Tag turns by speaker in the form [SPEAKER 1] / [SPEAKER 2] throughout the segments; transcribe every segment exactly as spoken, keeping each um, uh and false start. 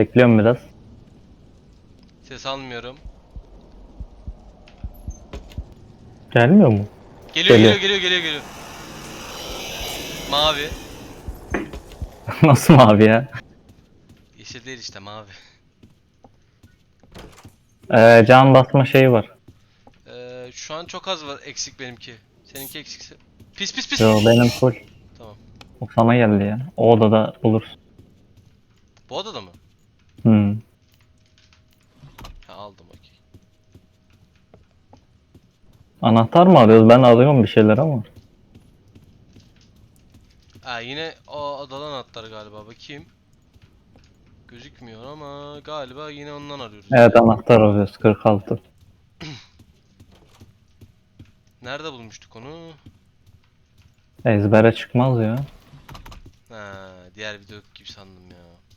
[SPEAKER 1] Bekliyorum biraz.
[SPEAKER 2] Ses almıyorum.
[SPEAKER 1] Gelmiyor mu?
[SPEAKER 2] Geliyor
[SPEAKER 1] Geliyor.
[SPEAKER 2] geliyor geliyor geliyor geliyor. Mavi.
[SPEAKER 1] Nasıl mavi ya?
[SPEAKER 2] Yeşil değil işte mavi.
[SPEAKER 1] Ee, can basma şeyi var.
[SPEAKER 2] Ee, şu an çok az var eksik benimki. Seninki eksikse. Pis pis pis.
[SPEAKER 1] Yo benim full.
[SPEAKER 2] Tamam.
[SPEAKER 1] O sana geldi ya. O odada bulursun.
[SPEAKER 2] Bu odada mı?
[SPEAKER 1] Hmm.
[SPEAKER 2] Ha aldım okey.
[SPEAKER 1] Anahtar mı arıyoruz? Ben arıyorum bir şeyler ama.
[SPEAKER 2] Ha yine o odadan atlar galiba bakayım. Gözükmüyor ama galiba yine ondan arıyoruz
[SPEAKER 1] Evet
[SPEAKER 2] ya.
[SPEAKER 1] anahtar arıyoruz. kırk altı.
[SPEAKER 2] Nerede bulmuştuk onu?
[SPEAKER 1] Ezbere çıkmaz ya.
[SPEAKER 2] Ha diğer video gibi sandım ya.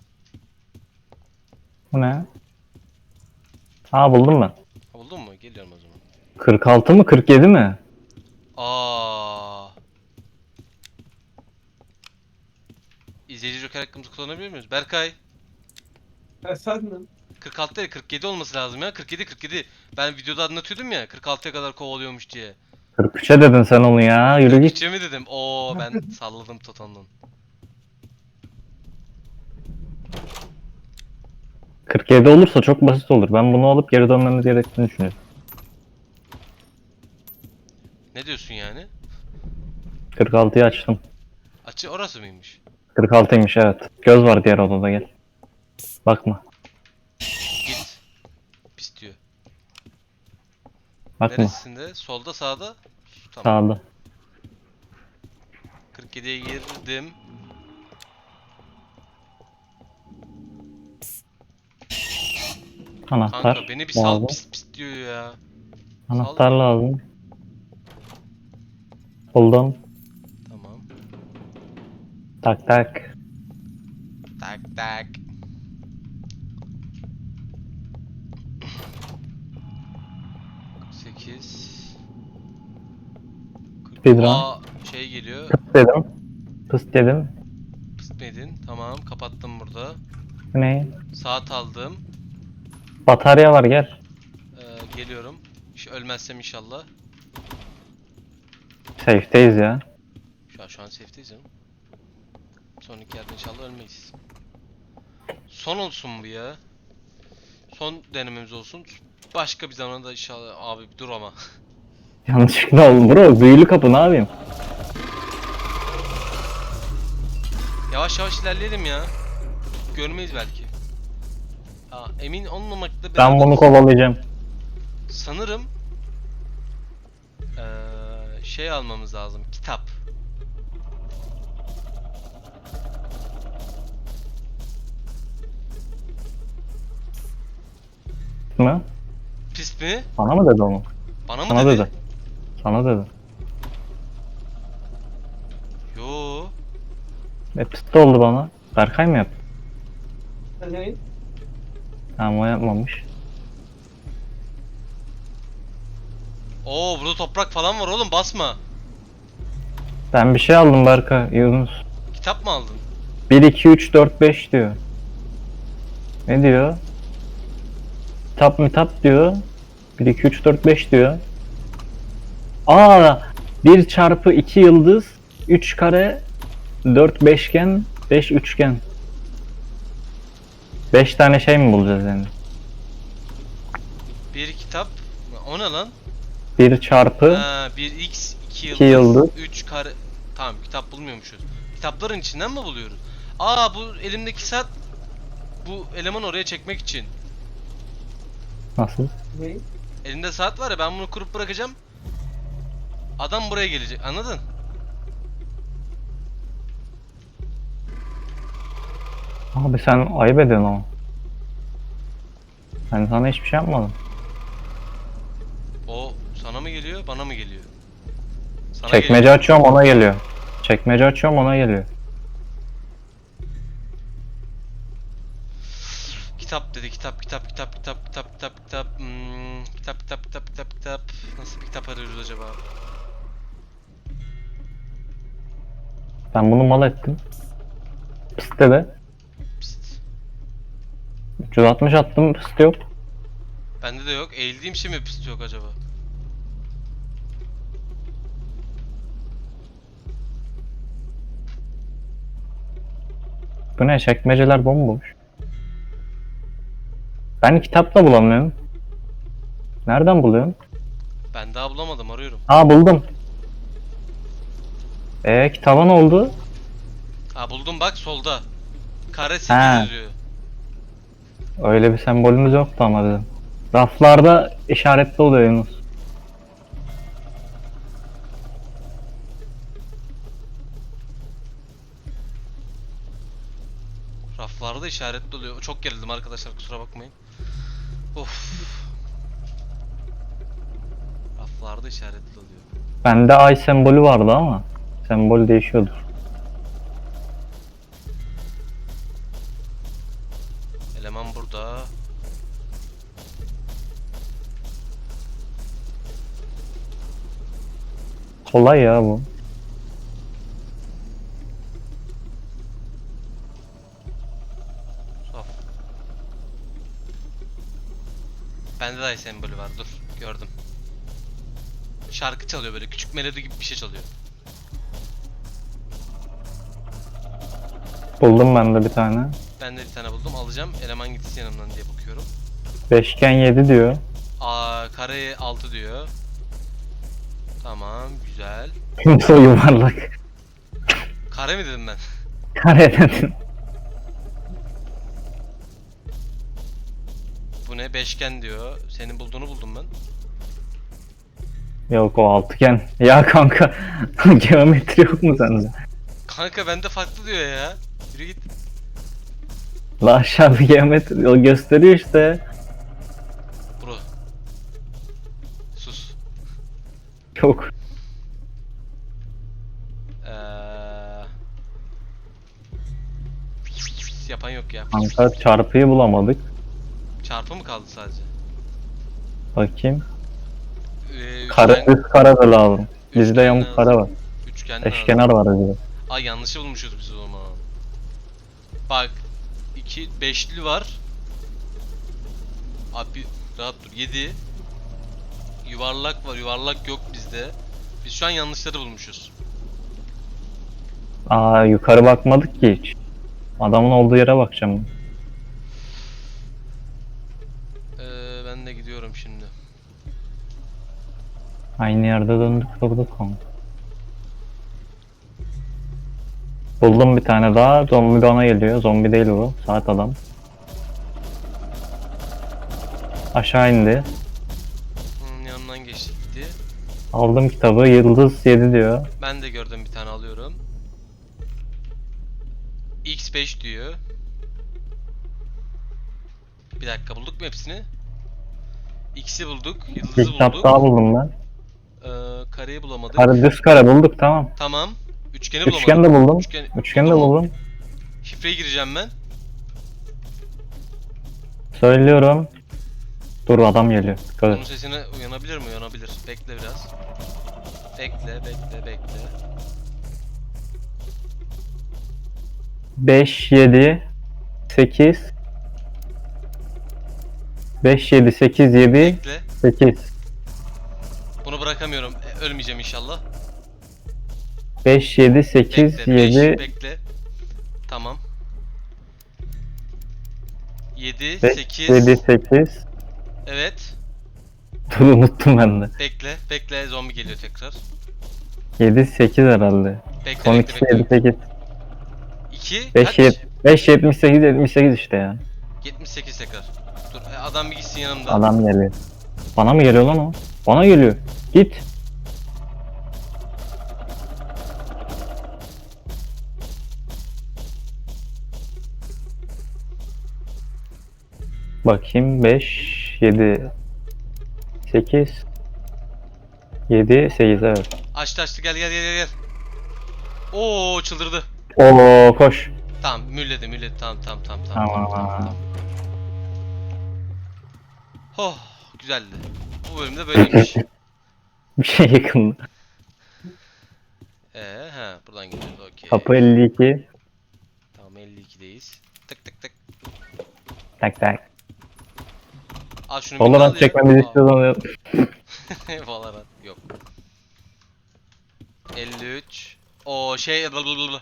[SPEAKER 1] Bu ne? Aa buldum ben.
[SPEAKER 2] Ha, buldun mu? Geliyorum o zaman.
[SPEAKER 1] kırk altı mı kırk yedi mi?
[SPEAKER 2] Aa. İzleyici joker hakkımızı kullanabiliyor muyuz? Berkay.
[SPEAKER 3] Efendim?
[SPEAKER 2] kırk altı değil kırk yedi olması lazım ya. kırk yedi kırk yedi. Ben videoda anlatıyordum ya kırk altıya kadar kovalıyormuş diye.
[SPEAKER 1] kırk üçe dedin sen onu ya. Yürü git.
[SPEAKER 2] kırk üçe mi dedim? Oo ben salladım totondan.
[SPEAKER 1] kırk yedi olursa çok basit olur. Ben bunu alıp geri dönmemiz gerektiğini düşünüyorum.
[SPEAKER 2] Ne diyorsun yani?
[SPEAKER 1] kırk altıyı açtım.
[SPEAKER 2] Açı orası mıymış?
[SPEAKER 1] kırk altıymış evet. Göz var diğer odada gel. Bakma.
[SPEAKER 2] Git. Pis diyor.
[SPEAKER 1] Bakma.
[SPEAKER 2] Neresinde? Solda sağda? Tamam.
[SPEAKER 1] Sağda.
[SPEAKER 2] kırk yediye girdim.
[SPEAKER 1] Anahtar
[SPEAKER 2] Kanka beni bir sal
[SPEAKER 1] lazım.
[SPEAKER 2] pis pis diyor ya.
[SPEAKER 1] Anahtar
[SPEAKER 2] Sal.
[SPEAKER 1] lazım. Buldum.
[SPEAKER 2] Tamam.
[SPEAKER 1] Tak tak.
[SPEAKER 2] Tak tak. sekiz.
[SPEAKER 1] Speedrun.
[SPEAKER 2] Aa şey geliyor.
[SPEAKER 1] Pıs dedim. Pıs dedim.
[SPEAKER 2] Pıstmedin. Tamam kapattım burada.
[SPEAKER 1] Ne?
[SPEAKER 2] Saat aldım.
[SPEAKER 1] Batarya var gel.
[SPEAKER 2] Ee, geliyorum. Şu ölmezsem inşallah.
[SPEAKER 1] Safe'deyiz ya.
[SPEAKER 2] Şu an, şu an safe'deyiz canım. Sonraki yerde inşallah ölmeyiz. Son olsun bu ya. Son denememiz olsun. Başka bir zamanda inşallah abi bir dur ama.
[SPEAKER 1] Yanlışlıkla oldu bro. Büyülü kapı ne yapayım?
[SPEAKER 2] Yavaş yavaş ilerleyelim ya. Görmeyiz belki. Aa, emin olmamakla
[SPEAKER 1] Ben
[SPEAKER 2] beraber
[SPEAKER 1] bunu kovalayacağım.
[SPEAKER 2] sanırım ee, şey almamız lazım. Kitap.
[SPEAKER 1] Mı?
[SPEAKER 2] Pis mi?
[SPEAKER 1] Sana mı dedi onu?
[SPEAKER 2] Bana mı
[SPEAKER 1] Sana
[SPEAKER 2] dedi?
[SPEAKER 1] dedi. Sana dedi.
[SPEAKER 2] Yo.
[SPEAKER 1] E pıstı oldu bana. Berkay mı yaptı?
[SPEAKER 3] Ne?
[SPEAKER 1] Tamam o yapmamış.
[SPEAKER 2] Oo burada toprak falan var oğlum basma.
[SPEAKER 1] Ben bir şey aldım Berkay. Yunus.
[SPEAKER 2] Kitap mı aldın?
[SPEAKER 1] bir, iki, üç, dört, beş diyor. Ne diyor? Kitap mı tap diyor. bir, iki, üç, dört, beş diyor. Aa, bir çarpı iki yıldız, üç kare, dört beşgen, beş üçgen. beş tane şey mi bulacağız yani?
[SPEAKER 2] Bir kitap. O ne lan?
[SPEAKER 1] bir çarpı
[SPEAKER 2] Ha, bir x iki
[SPEAKER 1] iki
[SPEAKER 2] yıldız,
[SPEAKER 1] yıldız.
[SPEAKER 2] üç kare. Tamam kitap bulmuyormuşuz. Kitapların içinden mi buluyoruz? Aa bu elimdeki saat bu elemanı oraya çekmek için.
[SPEAKER 1] Nasıl?
[SPEAKER 3] Ne?
[SPEAKER 2] Elimde saat var ya ben bunu kurup bırakacağım. Adam buraya gelecek anladın?
[SPEAKER 1] Abi sen ayıp ediyorsun ama. Ben sana hiçbir şey yapmadım.
[SPEAKER 2] O sana mı geliyor bana mı geliyor? Sana
[SPEAKER 1] Çekmece
[SPEAKER 2] geliyor.
[SPEAKER 1] açıyorum ona geliyor. Çekmece açıyorum ona geliyor.
[SPEAKER 2] Kitap dedi kitap kitap kitap kitap kitap kitap kitap hmm, kitap kitap kitap kitap kitap nasıl bir kitap arıyoruz acaba?
[SPEAKER 1] Ben bunu mal ettim. Piste de.
[SPEAKER 2] Pist.
[SPEAKER 1] üç yüz altmış attım, pıstı yok.
[SPEAKER 2] Bende de yok. Eğildiğim şey mi pist yok acaba?
[SPEAKER 1] Bu ne? Çekmeceler bomboş. Ben kitap da bulamıyorum. Nereden buluyorsun?
[SPEAKER 2] Ben daha bulamadım, arıyorum.
[SPEAKER 1] Aa, buldum. Ee kitaba ne oldu?
[SPEAKER 2] Ha buldum bak, solda. Kare
[SPEAKER 1] Ha.
[SPEAKER 2] sekiz yazıyor.
[SPEAKER 1] Öyle bir sembolümüz yoktu ama bizim. Raflarda işaretli oluyor Yunus.
[SPEAKER 2] Raflarda işaretli oluyor. Çok gerildim arkadaşlar, kusura bakmayın. Of. Raflarda işaretli oluyor.
[SPEAKER 1] Bende ay sembolü vardı ama sembol değişiyordur.
[SPEAKER 2] Eleman burada.
[SPEAKER 1] Kolay ya bu.
[SPEAKER 2] Saf. Bende de ay sembolü var. Dur, gördüm. Şarkı çalıyor, böyle küçük melodi gibi bir şey çalıyor.
[SPEAKER 1] Buldum ben de bir tane.
[SPEAKER 2] Ben de bir tane buldum, alacağım. Eleman gitsin yanımdan diye bakıyorum.
[SPEAKER 1] Beşgen yedi diyor.
[SPEAKER 2] Aa, kare altı diyor. Tamam, güzel.
[SPEAKER 1] Şimdi o yuvarlak.
[SPEAKER 2] Kare mi dedim ben?
[SPEAKER 1] Kare dedin.
[SPEAKER 2] Bu ne? Beşgen diyor. Senin bulduğunu buldum ben.
[SPEAKER 1] Yok, o altıgen. Ya kanka, geometri yok mu sende?
[SPEAKER 2] Kanka bende farklı diyor ya. Yürü git.
[SPEAKER 1] La aşağı bir geometri o gösteriyor işte.
[SPEAKER 2] Bro. Sus.
[SPEAKER 1] Yok.
[SPEAKER 2] Ee... Yapan yok ya.
[SPEAKER 1] Kanka çarpıyı bulamadık.
[SPEAKER 2] Çarpı mı kaldı sadece?
[SPEAKER 1] Bakayım.
[SPEAKER 2] Ee,
[SPEAKER 1] Kare,
[SPEAKER 2] üçgen-
[SPEAKER 1] üst kare de lazım. Bizde
[SPEAKER 2] üçgen
[SPEAKER 1] yamuk
[SPEAKER 2] lazım.
[SPEAKER 1] kare var.
[SPEAKER 2] Üçgen lazım.
[SPEAKER 1] Eşkenar var bizde.
[SPEAKER 2] Ay, yanlışı bulmuşuz biz o zaman. Bak. iki beşli var. Abi rahat dur. yedi. Yuvarlak var. Yuvarlak yok bizde. Biz şu an yanlışları bulmuşuz.
[SPEAKER 1] Aa, yukarı bakmadık ki hiç. Adamın olduğu yere bakacağım.
[SPEAKER 2] Ee, ben de gidiyorum şimdi.
[SPEAKER 1] Aynı yerde döndük durduk ama. Buldum bir tane daha. Zombi bana geliyor. Zombi değil bu. Saat adam. Aşağı indi.
[SPEAKER 2] Hmm, yanından geçti gitti.
[SPEAKER 1] Aldım kitabı. Yıldız yedi diyor.
[SPEAKER 2] Ben de gördüm, bir tane alıyorum. X beş diyor. Bir dakika, bulduk mu hepsini? X'i bulduk,
[SPEAKER 1] Bir
[SPEAKER 2] yıldızı
[SPEAKER 1] kitap
[SPEAKER 2] bulduk.
[SPEAKER 1] daha buldum ben.
[SPEAKER 2] Ee, kareyi bulamadık.
[SPEAKER 1] Kare, düz kare bulduk, tamam.
[SPEAKER 2] Tamam. Üçgeni bulamadık.
[SPEAKER 1] Üçgen de buldum.
[SPEAKER 2] Üçgen,
[SPEAKER 1] Üçgen de
[SPEAKER 2] buldun mu?
[SPEAKER 1] buldum.
[SPEAKER 2] Şifreye gireceğim ben.
[SPEAKER 1] Söylüyorum. Dur, adam geliyor. Dikkat
[SPEAKER 2] Onun
[SPEAKER 1] et.
[SPEAKER 2] sesine uyanabilir mi? Uyanabilir. Bekle biraz. Bekle, bekle, bekle.
[SPEAKER 1] beş, yedi, sekiz. beş, yedi, sekiz, yedi,
[SPEAKER 2] Bekle.
[SPEAKER 1] sekiz.
[SPEAKER 2] Bunu bırakamıyorum. E, ölmeyeceğim inşallah.
[SPEAKER 1] beş, yedi, sekiz,
[SPEAKER 2] Bekle, beş,
[SPEAKER 1] yedi,
[SPEAKER 2] bekle. Tamam. yedi,
[SPEAKER 1] beş,
[SPEAKER 2] sekiz.
[SPEAKER 1] yedi, sekiz.
[SPEAKER 2] Evet.
[SPEAKER 1] Dur, unuttum ben de.
[SPEAKER 2] Bekle, bekle. Zombi geliyor tekrar.
[SPEAKER 1] yedi, sekiz herhalde.
[SPEAKER 2] Bekle,
[SPEAKER 1] Son
[SPEAKER 2] bekle,
[SPEAKER 1] ikisi yedi,
[SPEAKER 2] bekle.
[SPEAKER 1] sekiz.
[SPEAKER 2] iki,
[SPEAKER 1] beş,
[SPEAKER 2] kaç?
[SPEAKER 1] beş, yetmiş sekiz, yetmiş sekiz işte ya.
[SPEAKER 2] yetmiş sekiz tekrar. Dur, e, adam bir gitsin yanımda.
[SPEAKER 1] Adam geliyor. Bana mı geliyor lan o? Bana geliyor. Git. Bakayım, beş, yedi, sekiz, yedi, sekiz, evet.
[SPEAKER 2] Açtı açtı, gel gel gel gel. gel. Oo, çıldırdı.
[SPEAKER 1] Oo, koş.
[SPEAKER 2] Tamam, mülledi mülledi, tamam tamam tamam tamam.
[SPEAKER 1] Tamam.
[SPEAKER 2] tamam, tamam. Oh, güzeldi. Bu bölümde böyleymiş.
[SPEAKER 1] Bir şey yakındı.
[SPEAKER 2] Ee, he, buradan gidiyoruz, okey.
[SPEAKER 1] Kapı elli iki.
[SPEAKER 2] Tamam, elli ikideyiz. Tık tık tık.
[SPEAKER 1] Tak tak.
[SPEAKER 2] Al şunu bir al
[SPEAKER 1] Valorant
[SPEAKER 2] ya.
[SPEAKER 1] çekmemizi
[SPEAKER 2] Aa.
[SPEAKER 1] istiyorsan
[SPEAKER 2] Valorant yok. elli üç. O şey blablabla.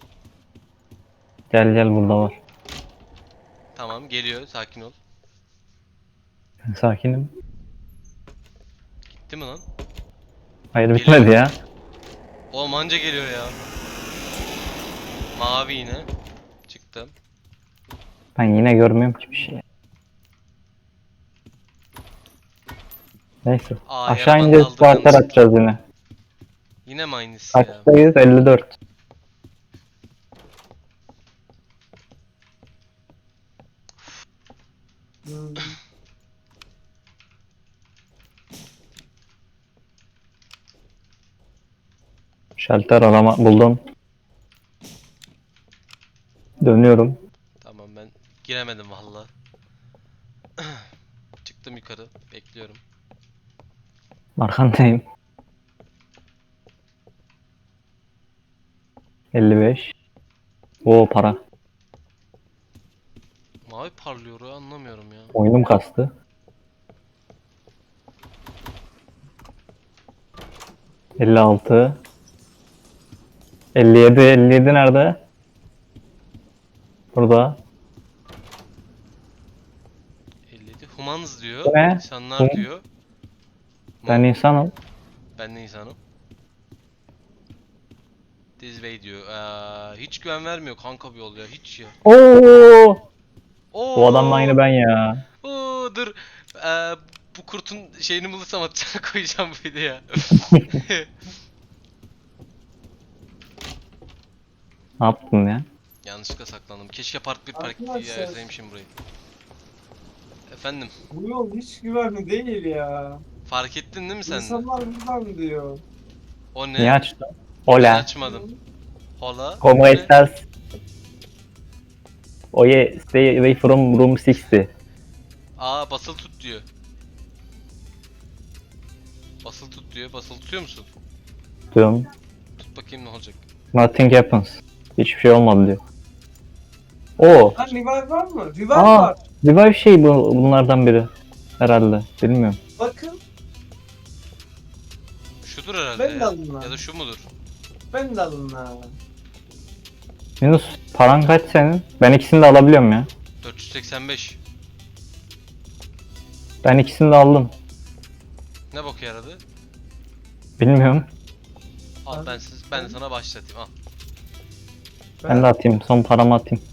[SPEAKER 1] gel gel burada var.
[SPEAKER 2] Tamam geliyor, sakin ol.
[SPEAKER 1] Sakinim.
[SPEAKER 2] Gitti mi lan?
[SPEAKER 1] Hayır
[SPEAKER 2] Geliyor.
[SPEAKER 1] bitmedi ya.
[SPEAKER 2] O manca geliyor ya. Mavi yine. Çıktım.
[SPEAKER 1] Ben yine görmüyorum ki bir şey. Neyse.
[SPEAKER 2] Aa,
[SPEAKER 1] Aşağı
[SPEAKER 2] yaradan
[SPEAKER 1] ineceğiz.
[SPEAKER 2] kaldırıyor
[SPEAKER 1] Sparklar
[SPEAKER 2] musun?
[SPEAKER 1] atacağız yine.
[SPEAKER 2] Yine mi aynısı ya?
[SPEAKER 1] Kaçtayız? elli dört.
[SPEAKER 3] Hmm.
[SPEAKER 1] Şalter arama buldum. Dönüyorum.
[SPEAKER 2] Tamam ben giremedim valla. Çıktım yukarı. Bekliyorum.
[SPEAKER 1] Arkandayım. elli beş. Oo para.
[SPEAKER 2] Mavi parlıyor ya, anlamıyorum ya.
[SPEAKER 1] Oyunum kastı. elli altı. elli yedi. elli yedi nerede? Burada.
[SPEAKER 2] elli yedi. Humans diyor.
[SPEAKER 1] Bu ne?
[SPEAKER 2] İnsanlar
[SPEAKER 1] Hum-
[SPEAKER 2] diyor.
[SPEAKER 1] Ben insanım.
[SPEAKER 2] Ben de insanım. This way diyor. Aa, hiç güven vermiyor kanka bir yol ya. Hiç ya.
[SPEAKER 1] Oo!
[SPEAKER 2] Oo.
[SPEAKER 1] Bu adamla aynı ben ya.
[SPEAKER 2] Oo, dur. Ee, bu kurtun şeyini bulursam atacağım koyacağım bu videoya.
[SPEAKER 1] Ne yaptın ya?
[SPEAKER 2] Yanlışlıkla saklandım. Keşke part bir part iki
[SPEAKER 3] Arkadaşlar.
[SPEAKER 2] yazaymışım burayı. Efendim,
[SPEAKER 3] Bu yol hiç güvenli değil ya.
[SPEAKER 2] fark ettin değil mi sen de?
[SPEAKER 3] İnsanlar buradan diyor.
[SPEAKER 2] O ne?
[SPEAKER 1] Niye açtın?
[SPEAKER 2] Ben
[SPEAKER 1] Hola.
[SPEAKER 2] açmadım. Hola.
[SPEAKER 1] ¿Cómo
[SPEAKER 2] O ne?
[SPEAKER 1] estás? Oye, stay away from room altmış.
[SPEAKER 2] Aa, basılı tut diyor. Basılı tut diyor. Basılı tutuyor musun?
[SPEAKER 1] Diyorum.
[SPEAKER 2] Tut bakayım ne olacak.
[SPEAKER 1] Nothing happens. Hiçbir şey olmadı diyor. Oo.
[SPEAKER 3] Ha revive var mı? Revive
[SPEAKER 1] Aa,
[SPEAKER 3] var.
[SPEAKER 1] revive şey bu, bunlardan biri. Herhalde. Bilmiyorum.
[SPEAKER 3] Bakın
[SPEAKER 2] Şudur herhalde
[SPEAKER 3] Ben de
[SPEAKER 2] ya.
[SPEAKER 3] alayım lan.
[SPEAKER 2] Ya da şu mudur?
[SPEAKER 3] ben de alın ha.
[SPEAKER 1] Yunus paran kaç senin? Ben ikisini de alabiliyorum ya.
[SPEAKER 2] dört yüz seksen beş.
[SPEAKER 1] Ben ikisini de aldım.
[SPEAKER 2] Ne boku yaradı?
[SPEAKER 1] Bilmiyorum.
[SPEAKER 2] Al
[SPEAKER 3] Abi,
[SPEAKER 2] ben siz ben de sana başlatayım al.
[SPEAKER 1] Ben de atayım. Son paramı atayım.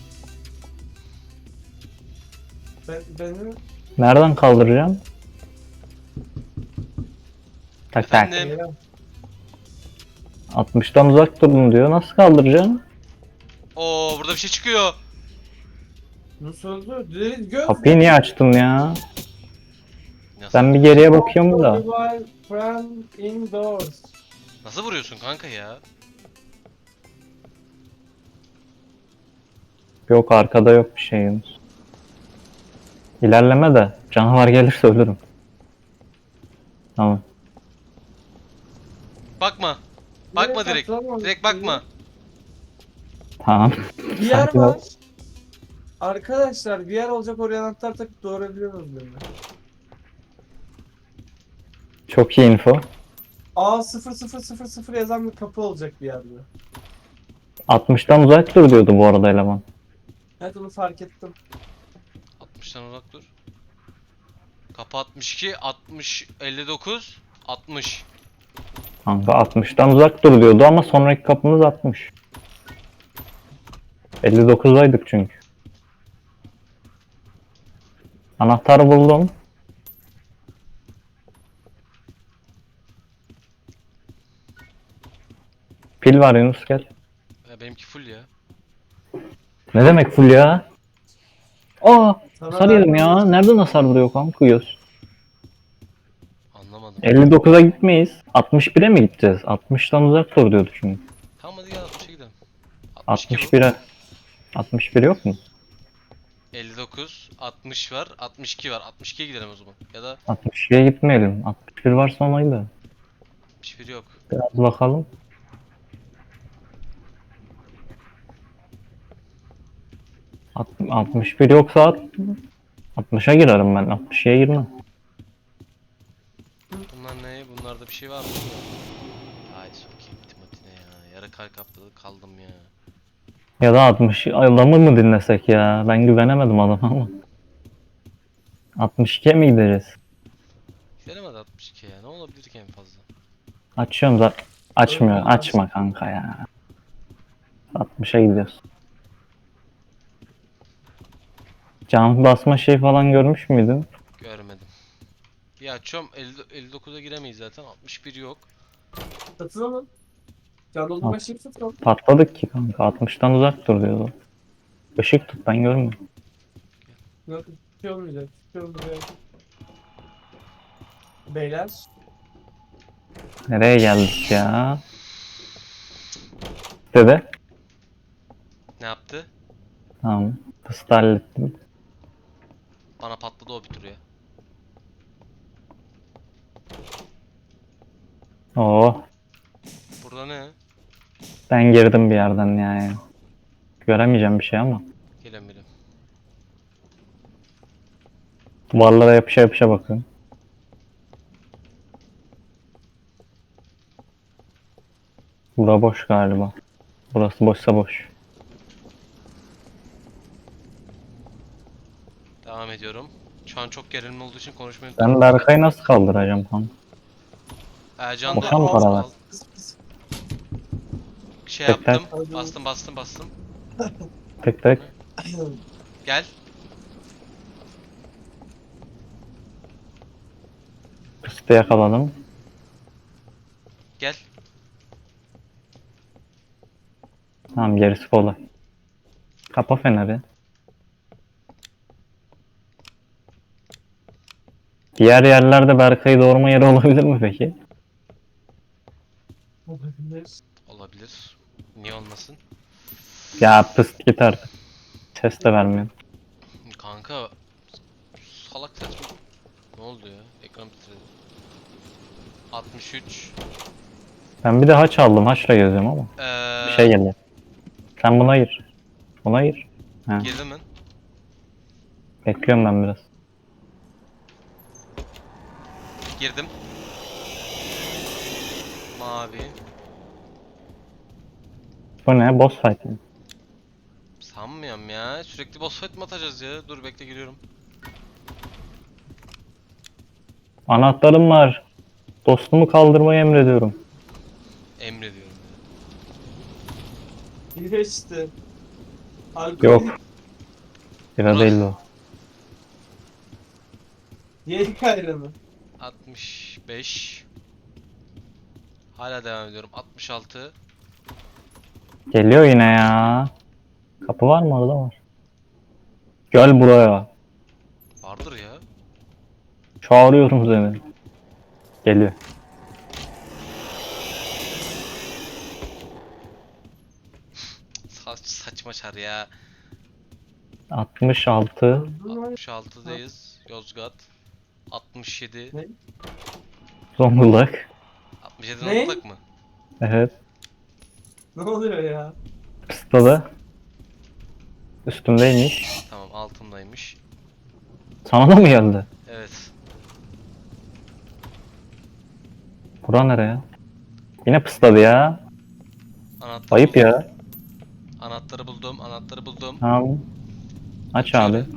[SPEAKER 3] Ben, beni
[SPEAKER 1] Nereden kaldıracağım? Tak tak.
[SPEAKER 2] Efendim?
[SPEAKER 3] Ya,
[SPEAKER 1] altmıştan uzak durun diyor. Nasıl kaldıracağım?
[SPEAKER 2] Oo, burada bir şey çıkıyor.
[SPEAKER 3] nasıl oldu? Direkt göz.
[SPEAKER 1] Kapıyı niye açtın ya?
[SPEAKER 2] Nasıl,
[SPEAKER 1] Ben bir geriye bakıyorum da.
[SPEAKER 3] Revive from indoors.
[SPEAKER 2] nasıl vuruyorsun kanka ya?
[SPEAKER 1] Yok arkada yok bir şey Yunus. İlerleme de canavar gelirse ölürüm. Tamam.
[SPEAKER 2] Bakma. Bakma
[SPEAKER 3] Direkt
[SPEAKER 2] direkt.
[SPEAKER 3] atlamam.
[SPEAKER 2] Direkt bakma.
[SPEAKER 1] Tamam.
[SPEAKER 3] Bir yer
[SPEAKER 1] Sakin ol.
[SPEAKER 3] var. Arkadaşlar bir yer olacak oraya anahtar takıp doğurabiliyoruz beni.
[SPEAKER 1] Çok iyi info.
[SPEAKER 3] A sıfır sıfır sıfır sıfır yazan bir kapı olacak bir yerde.
[SPEAKER 1] altmıştan uzak dur diyordu bu arada eleman.
[SPEAKER 3] Evet onu fark ettim.
[SPEAKER 2] altmıştan uzak dur. Kapı altmış iki, altmış, elli dokuz, altmış.
[SPEAKER 1] Kanka altmıştan uzak dur diyordu ama sonraki kapımız altmış. elli dokuzdaydık çünkü. Anahtarı buldum. Pil var Yunus gel.
[SPEAKER 2] Ya benimki full ya.
[SPEAKER 1] Ne demek full ya? Aa,
[SPEAKER 3] Sana
[SPEAKER 1] hasar yedim
[SPEAKER 3] ben-
[SPEAKER 1] ya. Nereden hasar vuruyor kanka göz?
[SPEAKER 2] Anlamadım.
[SPEAKER 1] elli dokuza gitmeyiz. altmış bire mi gideceğiz? altmıştan uzak dur diyordu çünkü.
[SPEAKER 2] Tamam hadi gel altmışa gidelim. altmış iki bu.
[SPEAKER 1] altmış bire. altmış bir yok mu?
[SPEAKER 2] elli dokuz, altmış var, altmış iki var. altmış ikiye gidelim o zaman. Ya da
[SPEAKER 1] altmış ikiye gitmeyelim. altmış bir varsa onaydı.
[SPEAKER 2] altmış bir yok.
[SPEAKER 1] Biraz bakalım. Alt- altmış bir yoksa at. altmışa girerim ben. altmış ikiye girmem.
[SPEAKER 2] Bunlar ne? Bunlarda bir şey var mı? Ay sokayım Timothy'ne ya. Yarı kalp kaptı kaldım ya.
[SPEAKER 1] Ya da altmış adamı mı dinlesek ya? Ben güvenemedim adama ama. altmış ikiye mi gideceğiz?
[SPEAKER 2] Gelemedi altmış iki ya. Ne olabilir ki en fazla?
[SPEAKER 1] Açıyorum da açmıyor.
[SPEAKER 3] Öyle
[SPEAKER 1] Açma kanka ya. altmışa gidiyoruz. Can basma şey falan görmüş müydün?
[SPEAKER 2] Görmedim. Bir açıyorum. elli, elli dokuza giremeyiz zaten. altmış bir yok.
[SPEAKER 3] Satılalım. Can doldurma şeyi satalım.
[SPEAKER 1] Patladık ki kanka. altmıştan uzak dur diyordu. Işık tut ben görmüyorum.
[SPEAKER 3] Yok bir şey olmayacak. Bir şey olmayacak. Beyler.
[SPEAKER 1] Nereye geldik ya? Dede.
[SPEAKER 2] Ne yaptı?
[SPEAKER 1] Tamam. Fıstığı hallettim.
[SPEAKER 2] Bana patladı o bir tur ya.
[SPEAKER 1] Oo.
[SPEAKER 2] Burada ne?
[SPEAKER 1] Ben girdim bir yerden yani. Göremeyeceğim bir şey ama.
[SPEAKER 2] Gelen birim.
[SPEAKER 1] Duvarlara yapışa yapışa bakıyorum. Bura boş galiba. Burası boşsa boş.
[SPEAKER 2] Devam ediyorum. Şu an çok gerilimli olduğu için konuşmayı
[SPEAKER 1] Ben Berkay'ı nasıl kaldıracağım kanka?
[SPEAKER 2] Ercan da
[SPEAKER 1] Boşa mı
[SPEAKER 2] al,
[SPEAKER 1] paralar?
[SPEAKER 2] al.
[SPEAKER 3] Pıs pıs.
[SPEAKER 2] Şey
[SPEAKER 1] Tek tek.
[SPEAKER 2] yaptım. Bastım bastım bastım.
[SPEAKER 1] Tek tek.
[SPEAKER 2] Gel.
[SPEAKER 1] Fıstığı yakaladım.
[SPEAKER 2] Gel.
[SPEAKER 1] Tamam gerisi kolay. Kapa feneri. Diğer yerlerde Berkay'ı doğurma yeri olabilir mi peki?
[SPEAKER 3] Olabilir.
[SPEAKER 2] Olabilir. Niye olmasın?
[SPEAKER 1] Ya pıst git artık. Ses de vermiyor.
[SPEAKER 2] Kanka. Salak saçma. Ne oldu ya? Ekran titredi. altmış üç.
[SPEAKER 1] Ben bir de haç aldım. Haçla geziyorum ama.
[SPEAKER 2] Ee,
[SPEAKER 1] Bir şey geliyor. Sen buna gir. Buna gir. Ha,
[SPEAKER 2] Girdi mi?
[SPEAKER 1] bekliyorum ben biraz.
[SPEAKER 2] Girdim. Mavi.
[SPEAKER 1] Bu ne? Boss fight mi?
[SPEAKER 2] Sanmıyorum ya. Sürekli boss fight mi atacağız ya? Dur bekle giriyorum.
[SPEAKER 1] Anahtarım var. Dostumu kaldırmayı emrediyorum.
[SPEAKER 2] Emrediyorum ya.
[SPEAKER 3] Bir işte. Alkol.
[SPEAKER 1] Yok. Bira değil o.
[SPEAKER 3] Yerik ayranı.
[SPEAKER 2] altmış beş. Hala devam ediyorum. altmış altı.
[SPEAKER 1] Geliyor yine ya. Kapı var mı? Orada var. Gel buraya.
[SPEAKER 2] Vardır ya.
[SPEAKER 1] Çağırıyorum seni. Geliyor.
[SPEAKER 2] Saç, saçma çar ya.
[SPEAKER 1] altmış altı.
[SPEAKER 2] altmış altıdayız. Yozgat. altmış yedi.
[SPEAKER 3] Ne?
[SPEAKER 1] Zonguldak.
[SPEAKER 2] altmış yedi
[SPEAKER 3] Ne?
[SPEAKER 2] Zonguldak mı?
[SPEAKER 1] Evet.
[SPEAKER 3] Ne oluyor ya?
[SPEAKER 1] Pıstadı. Üstümdeymiş.
[SPEAKER 2] Tamam altındaymış.
[SPEAKER 1] Sana da mı geldi?
[SPEAKER 2] Evet.
[SPEAKER 1] Bura nereye? Yine pısladı ya.
[SPEAKER 2] Anahtarı
[SPEAKER 1] Ayıp
[SPEAKER 2] buldum.
[SPEAKER 1] ya.
[SPEAKER 2] Anahtarı buldum. Anahtarı buldum.
[SPEAKER 1] Tamam. Aç
[SPEAKER 2] Açıyorum.
[SPEAKER 1] abi.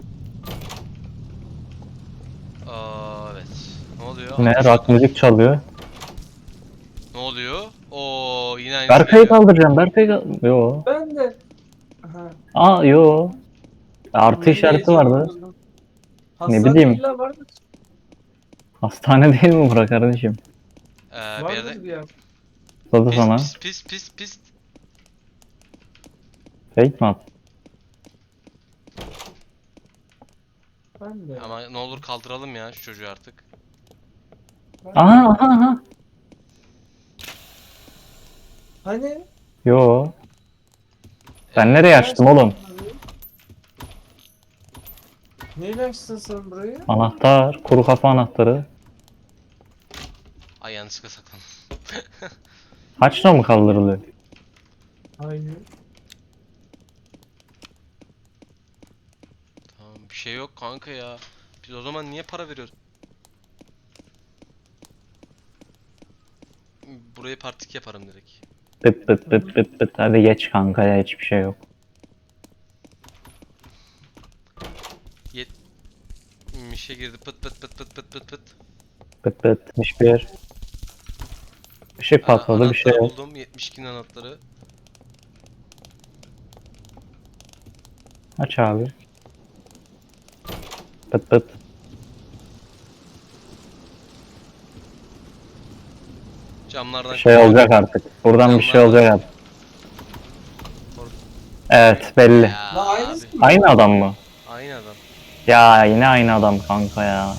[SPEAKER 2] Aa, evet. Ne oluyor?
[SPEAKER 1] Ne?
[SPEAKER 2] altmış
[SPEAKER 1] Rock
[SPEAKER 2] dokuz.
[SPEAKER 1] müzik çalıyor.
[SPEAKER 2] Ne oluyor? Oo yine aynısı
[SPEAKER 1] Berkay'ı
[SPEAKER 2] geliyor.
[SPEAKER 1] kaldıracağım. Berkay'ı kal- Yo.
[SPEAKER 3] Ben de. Aha.
[SPEAKER 1] Aa yo. Artı
[SPEAKER 3] Benim
[SPEAKER 1] işareti
[SPEAKER 3] heyecanım
[SPEAKER 1] vardı.
[SPEAKER 3] bozuldu.
[SPEAKER 1] Ne
[SPEAKER 3] Hastane
[SPEAKER 1] bileyim.
[SPEAKER 3] illa vardır.
[SPEAKER 1] Hastane değil mi bura kardeşim?
[SPEAKER 2] Ee, bir
[SPEAKER 3] Vardır
[SPEAKER 2] yerde
[SPEAKER 3] bir yer.
[SPEAKER 1] Pısladı
[SPEAKER 2] pis
[SPEAKER 1] sana.
[SPEAKER 2] pis pis pis pis.
[SPEAKER 1] Fake mi attı?
[SPEAKER 3] Ben de.
[SPEAKER 2] Ama ne olur kaldıralım ya şu çocuğu artık.
[SPEAKER 3] Ben-
[SPEAKER 1] Aha aha aha.
[SPEAKER 3] Hani?
[SPEAKER 1] Yo. Ben nereye açtım oğlum?
[SPEAKER 3] Neyle açtın sen burayı?
[SPEAKER 1] Anahtar. Kuru kafa anahtarı.
[SPEAKER 2] Ay yanlışlıkla saklandım.
[SPEAKER 1] Haçla mı kaldırılıyor?
[SPEAKER 3] Hayır.
[SPEAKER 2] şey yok kanka ya. Biz o zaman niye para veriyoruz? Burayı partik yaparım direkt.
[SPEAKER 1] Pıt pıt pıt pıt pıt. Hadi geç kanka ya, hiçbir şey yok.
[SPEAKER 2] Mişe girdi pıt pıt pıt pıt pıt pıt pıt.
[SPEAKER 1] Pıt pıt. Hiçbir yer. Işık patladı, bir şey
[SPEAKER 2] Anahtarı
[SPEAKER 1] yok.
[SPEAKER 2] buldum. yetmiş ikinin anahtarı.
[SPEAKER 1] Aç abi. Pıt pıt.
[SPEAKER 2] Camlardan
[SPEAKER 1] Bir şey olacak artık. Buradan bir şey olacak artık. Evet, belli.
[SPEAKER 2] Ya
[SPEAKER 3] La aynısı
[SPEAKER 2] abi,
[SPEAKER 3] mı?
[SPEAKER 1] Aynı adam mı?
[SPEAKER 2] aynı adam.
[SPEAKER 1] Ya yine aynı adam kanka ya.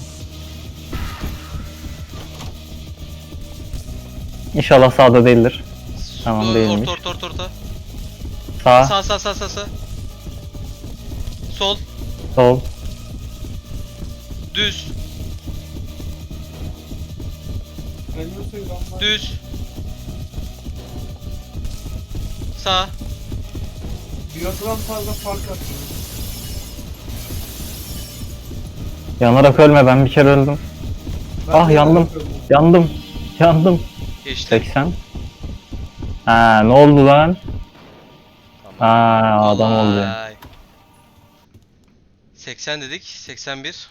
[SPEAKER 1] İnşallah sağda değildir. Tamam,
[SPEAKER 2] Or-
[SPEAKER 1] değilmiş.
[SPEAKER 2] Orta orta orta orta.
[SPEAKER 1] Sağ,
[SPEAKER 2] Sağ sağ sağ sağ sağ. Sol.
[SPEAKER 1] sol.
[SPEAKER 2] Düz.
[SPEAKER 3] Elime suyu lan var.
[SPEAKER 2] Düz. Sağ.
[SPEAKER 3] Biyogram fazla fark atıyor.
[SPEAKER 1] Yanarak ölme, ben bir kere öldüm.
[SPEAKER 3] Ben
[SPEAKER 1] Ah,
[SPEAKER 3] de
[SPEAKER 1] yandım.
[SPEAKER 3] yapıyorum.
[SPEAKER 2] Yandım.
[SPEAKER 1] Yandım. Yandım.
[SPEAKER 2] Geçti.
[SPEAKER 1] seksen. Ha, ne oldu lan?
[SPEAKER 2] Tamam.
[SPEAKER 1] Ha, adam oldu.
[SPEAKER 2] Olay. seksen dedik. seksen bir.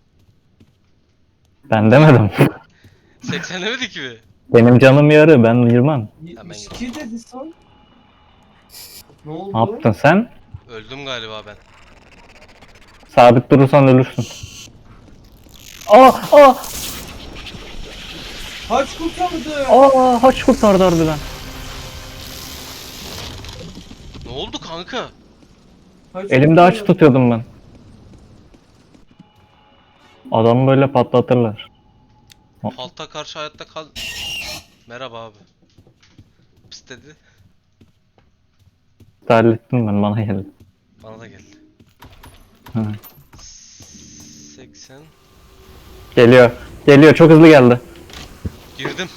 [SPEAKER 1] Ben demedim.
[SPEAKER 2] seksen demedik mi?
[SPEAKER 1] Benim canım yarı, ben girmem.
[SPEAKER 3] yetmiş iki dedi son. Ne oldu?
[SPEAKER 1] Ne yaptın sen?
[SPEAKER 2] Öldüm galiba ben.
[SPEAKER 1] Sabit durursan ölürsün. Aa, aa,
[SPEAKER 3] Kaç kurtardı?
[SPEAKER 1] aa, haç kurtardı harbiden.
[SPEAKER 2] Ne oldu kanka?
[SPEAKER 3] Kaç
[SPEAKER 1] Elimde haç
[SPEAKER 3] kurtardı?
[SPEAKER 1] tutuyordum ben. Adamı böyle patlatırlar.
[SPEAKER 2] Halta karşı hayatta kal. Merhaba abi. Pıs dedi.
[SPEAKER 1] Hallettim ben, bana geldi.
[SPEAKER 2] Bana da geldi.
[SPEAKER 1] Hı.
[SPEAKER 2] seksen.
[SPEAKER 1] Geliyor. Geliyor, çok hızlı geldi.
[SPEAKER 2] Girdim.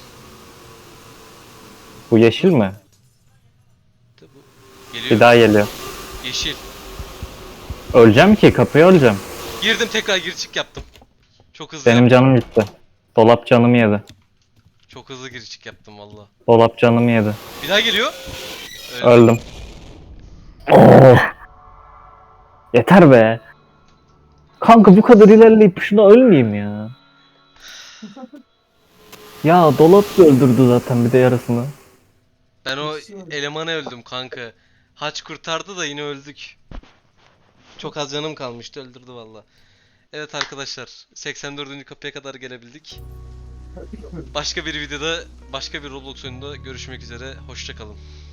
[SPEAKER 1] Bu yeşil mi?
[SPEAKER 2] De bu. Geliyor.
[SPEAKER 1] Bir daha geliyor.
[SPEAKER 2] Yeşil.
[SPEAKER 1] Öleceğim ki, kapıya öleceğim.
[SPEAKER 2] Girdim, tekrar gir çık yaptım. Çok hızlı
[SPEAKER 1] Benim
[SPEAKER 2] yaptım.
[SPEAKER 1] canım gitti. Dolap canımı yedi.
[SPEAKER 2] Çok hızlı gir çık yaptım valla.
[SPEAKER 1] Dolap canımı yedi.
[SPEAKER 2] Bir daha geliyor. Öldüm.
[SPEAKER 1] Öldüm. Oh! Yeter be. Kanka bu kadar ilerleyip şuna ölmeyeyim ya. Ya dolap da öldürdü zaten bir de yarısını.
[SPEAKER 2] Ben o
[SPEAKER 3] Hiç öyle.
[SPEAKER 2] elemana öldüm kanka. Haç kurtardı da yine öldük. Çok az canım kalmıştı, öldürdü valla. Evet arkadaşlar, seksen dördüncü kapıya kadar gelebildik. Başka bir videoda, başka bir Roblox oyununda görüşmek üzere. Hoşça kalın.